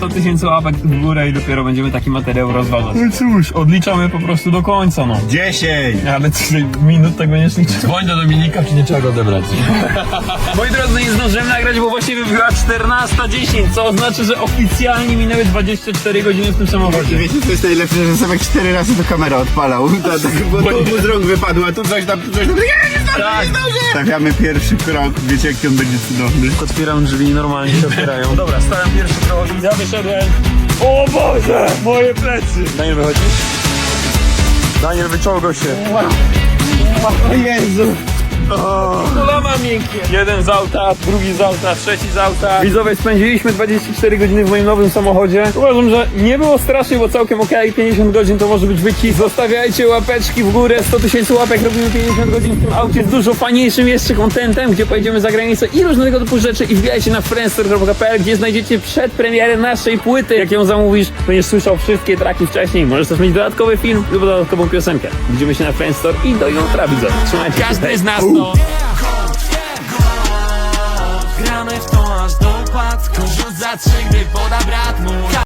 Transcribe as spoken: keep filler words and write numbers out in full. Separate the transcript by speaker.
Speaker 1: sto tysięcy łapek w górę i dopiero będziemy taki materiał rozważać. No cóż, odliczamy po prostu do końca, no.
Speaker 2: dziesięć!
Speaker 1: Ale tutaj minut tego nie liczę.
Speaker 3: Dzwoń do Dominika, czy nie trzeba go odebrać.
Speaker 1: Moi drodzy, nie zdążyłem nagrać, bo właśnie wybiła czternasta dziesięć, co oznacza, że oficjalnie minęły dwadzieścia cztery godziny w tym samochodzie.
Speaker 2: Wiecie, co jest najlepsze, że Sebek cztery razy do kamery odpalał. Tak, tak, bo tu mu z rąk wypadła, tu coś tam, tu coś tam. Nie, nie zdążę,
Speaker 1: Tak.
Speaker 2: nie zdążę! Stawiamy pierwszy krok, wiecie jaki on będzie cudowny.
Speaker 1: Otwieram drzwi i normalnie się otwierają. Dobra, stałem pierwszy krok. Ja wyszedłem. O Boże! Moje plecy! Daniel, wychodzisz? Daniel, wyciągał się.
Speaker 2: O Jezu!
Speaker 1: Kolana miękkie. Jeden z auta, drugi z auta, trzeci z auta. Widzowie, spędziliśmy dwadzieścia cztery godziny w moim nowym samochodzie. Uważam, że nie było strasznie, bo całkiem okej. pięćdziesiąt godzin to może być wycisk. Zostawiajcie łapeczki w górę. sto tysięcy łapek, robimy pięćdziesiąt godzin w tym aucie z dużo fajniejszym jeszcze contentem, gdzie pojedziemy za granicę i różnego typu rzeczy. I wbijajcie na friendster kropka p l, gdzie znajdziecie przedpremierę naszej płyty. Jak ją zamówisz, będziesz słyszał wszystkie traki wcześniej. Możesz też mieć dodatkowy film lub dodatkową piosenkę. Widzimy się na Friendster i do jutra, widzowie. Trzymajcie się.
Speaker 3: Każdy z nas to... Gramy w to aż do upadku. Rzuć za trzy, gdy poda brat mój.